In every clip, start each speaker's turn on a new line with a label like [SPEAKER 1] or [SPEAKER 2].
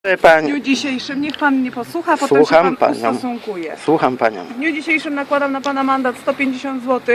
[SPEAKER 1] Pani.
[SPEAKER 2] W dniu dzisiejszym, niech pan mnie posłucha, potem
[SPEAKER 1] Słucham
[SPEAKER 2] się pan
[SPEAKER 1] panią.
[SPEAKER 2] ustosunkuje.
[SPEAKER 1] Słucham panią.
[SPEAKER 2] W dniu dzisiejszym nakładam na pana mandat 150 zł.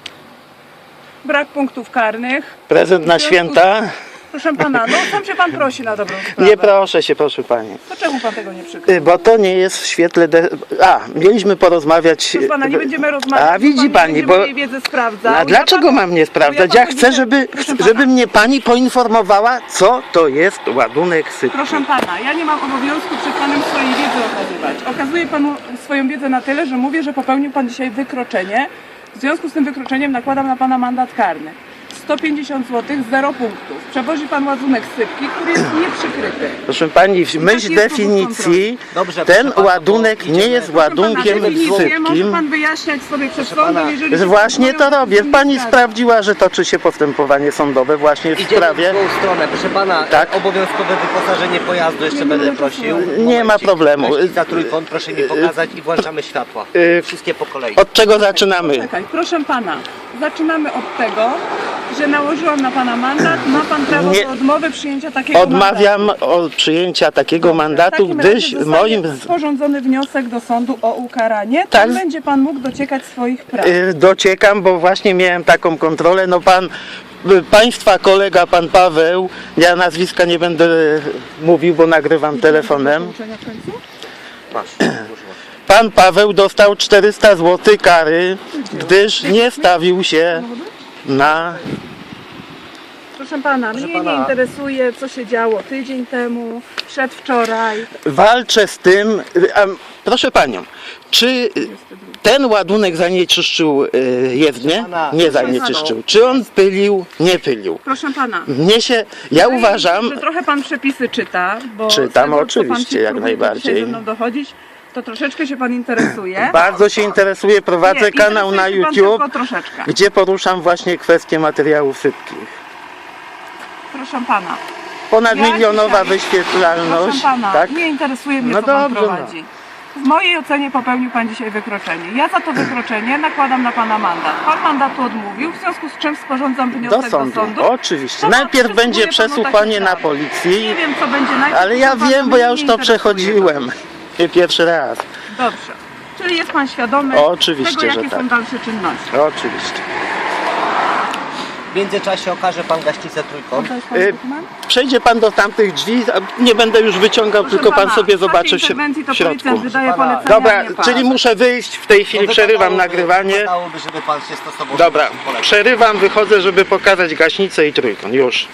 [SPEAKER 2] Brak punktów karnych.
[SPEAKER 1] Prezent na święta?
[SPEAKER 2] Proszę pana, no sam się pan prosi na dobrą sprawę.
[SPEAKER 1] Nie proszę się, proszę pani.
[SPEAKER 2] To czemu pan tego nie przykrył?
[SPEAKER 1] Bo to nie jest w świetle... mieliśmy porozmawiać...
[SPEAKER 2] Proszę pana, nie będziemy rozmawiać,
[SPEAKER 1] A widzi
[SPEAKER 2] pan
[SPEAKER 1] pani,
[SPEAKER 2] nie będzie
[SPEAKER 1] bo...
[SPEAKER 2] mojej wiedzy sprawdzał.
[SPEAKER 1] A dlaczego mam nie sprawdzać? Ja chcę, żeby mnie pani poinformowała, co to jest ładunek sypki.
[SPEAKER 2] Proszę pana, ja nie mam obowiązku przed panem swojej wiedzy okazywać. Okazuję panu swoją wiedzę na tyle, że mówię, że popełnił pan dzisiaj wykroczenie. W związku z tym wykroczeniem nakładam na pana mandat karny. 150 zł, 0 punktów. Przewozi pan ładunek sypki, który jest nieprzykryty.
[SPEAKER 1] Proszę pani, w myśl
[SPEAKER 2] jest
[SPEAKER 1] definicji
[SPEAKER 3] Dobrze,
[SPEAKER 1] ten
[SPEAKER 3] proszę pana,
[SPEAKER 1] ładunek nie jest ładunkiem
[SPEAKER 2] definicję może
[SPEAKER 1] sypkim.
[SPEAKER 2] pan wyjaśniać sobie przed
[SPEAKER 3] Proszę pana,
[SPEAKER 2] sądem, jeżeli się
[SPEAKER 1] Właśnie to
[SPEAKER 2] zastanawią,
[SPEAKER 1] robię.
[SPEAKER 2] to
[SPEAKER 1] Pani
[SPEAKER 2] nie zgadza.
[SPEAKER 1] sprawdziła, że toczy się postępowanie sądowe właśnie w
[SPEAKER 3] Idziemy
[SPEAKER 1] sprawie.
[SPEAKER 3] w tą stronę. Proszę pana,
[SPEAKER 1] Tak.
[SPEAKER 3] Obowiązkowe wyposażenie pojazdu jeszcze
[SPEAKER 2] Nie
[SPEAKER 3] będę
[SPEAKER 2] mogę
[SPEAKER 3] prosił.
[SPEAKER 1] Nie ma problemu.
[SPEAKER 3] Za trójkąt proszę mi pokazać i włączamy światła. Wszystkie po kolei.
[SPEAKER 1] Od czego zaczynamy?
[SPEAKER 2] Czekaj, proszę pana, zaczynamy od tego, że nałożyłam na pana mandat, ma pan prawo
[SPEAKER 1] Nie.
[SPEAKER 2] do odmowy przyjęcia takiego
[SPEAKER 1] Odmawiam od przyjęcia takiego mandatu, gdyż moim
[SPEAKER 2] sporządzony wniosek do sądu o ukaranie,
[SPEAKER 1] Tak.
[SPEAKER 2] tam będzie pan mógł dociekać swoich praw.
[SPEAKER 1] dociekam, bo właśnie miałem taką kontrolę. No państwa kolega, pan Paweł, ja nazwiska nie będę mówił, bo nagrywam telefonem.
[SPEAKER 2] Pouczenia w końcu?
[SPEAKER 3] Masz.
[SPEAKER 1] Pan Paweł dostał 400 zł kary, gdyż nie stawił się na...
[SPEAKER 2] Proszę pana, mnie nie
[SPEAKER 3] pana.
[SPEAKER 2] interesuje, co się działo tydzień temu, przedwczoraj.
[SPEAKER 1] Walczę z tym... Proszę panią, czy ten ładunek zanieczyszczył jezdnię?
[SPEAKER 3] pana,
[SPEAKER 1] Nie
[SPEAKER 3] proszę
[SPEAKER 1] zanieczyszczył. Czy on pylił? Nie pylił.
[SPEAKER 2] Proszę pana.
[SPEAKER 1] Ja uważam...
[SPEAKER 2] Że trochę pan przepisy czyta, bo
[SPEAKER 1] Czytam,
[SPEAKER 2] z tego, co pan
[SPEAKER 1] oczywiście,
[SPEAKER 2] się
[SPEAKER 1] jak
[SPEAKER 2] próbuje
[SPEAKER 1] najbardziej.
[SPEAKER 2] dzisiaj ze mną dochodzić, to troszeczkę się pan interesuje.
[SPEAKER 1] Bardzo się interesuję, prowadzę
[SPEAKER 2] Nie,
[SPEAKER 1] kanał na
[SPEAKER 2] interesuje się pan
[SPEAKER 1] YouTube,
[SPEAKER 2] tylko troszeczkę.
[SPEAKER 1] gdzie poruszam właśnie kwestie materiałów sypkich.
[SPEAKER 2] Proszę pana.
[SPEAKER 1] Ponadmilionowa
[SPEAKER 2] Ja dzisiaj-
[SPEAKER 1] wyświetlalność,
[SPEAKER 2] Proszę pana,
[SPEAKER 1] tak?
[SPEAKER 2] nie interesuje mnie,
[SPEAKER 1] No
[SPEAKER 2] co pan
[SPEAKER 1] dobrze,
[SPEAKER 2] prowadzi. W mojej ocenie popełnił pan dzisiaj wykroczenie. Ja za to wykroczenie nakładam na pana mandat. Pan mandatu odmówił, w związku z czym sporządzam wniosek
[SPEAKER 1] Do sądu,
[SPEAKER 2] To
[SPEAKER 1] oczywiście.
[SPEAKER 2] pan
[SPEAKER 1] Najpierw
[SPEAKER 2] przysługuje
[SPEAKER 1] będzie
[SPEAKER 2] panu
[SPEAKER 1] przesłuchanie
[SPEAKER 2] takie
[SPEAKER 1] na
[SPEAKER 2] prawo.
[SPEAKER 1] policji,
[SPEAKER 2] Nie wiem, co będzie najpierw.
[SPEAKER 1] ale ja
[SPEAKER 2] to pana
[SPEAKER 1] wiem, bo ja już
[SPEAKER 2] nie
[SPEAKER 1] to
[SPEAKER 2] interesuje.
[SPEAKER 1] przechodziłem. Nie pierwszy raz.
[SPEAKER 2] Dobrze. Czyli jest pan świadomy
[SPEAKER 1] Oczywiście,
[SPEAKER 2] tego,
[SPEAKER 1] że
[SPEAKER 2] jakie
[SPEAKER 1] tak.
[SPEAKER 2] są dalsze czynności.
[SPEAKER 1] Oczywiście.
[SPEAKER 3] W międzyczasie okaże pan gaśnicę trójkąt.
[SPEAKER 2] To jest pan
[SPEAKER 1] Y,
[SPEAKER 2] dokument?
[SPEAKER 1] Przejdzie pan do tamtych drzwi, nie będę już wyciągał,
[SPEAKER 2] Proszę
[SPEAKER 1] tylko pan
[SPEAKER 2] pana,
[SPEAKER 1] sobie
[SPEAKER 2] w czasie
[SPEAKER 1] zobaczy
[SPEAKER 2] interwencji to
[SPEAKER 1] w środku.
[SPEAKER 2] policjant wydaje
[SPEAKER 3] Proszę pana.
[SPEAKER 2] polecenia,
[SPEAKER 1] Dobra,
[SPEAKER 2] a nie pan.
[SPEAKER 1] czyli muszę wyjść, w tej chwili przerywam nagrywanie.
[SPEAKER 3] Wypadałoby, żeby pan się stosował.
[SPEAKER 1] Dobra,
[SPEAKER 3] do poleceń.
[SPEAKER 1] przerywam, wychodzę, żeby pokazać gaśnicę i trójkąt. Już.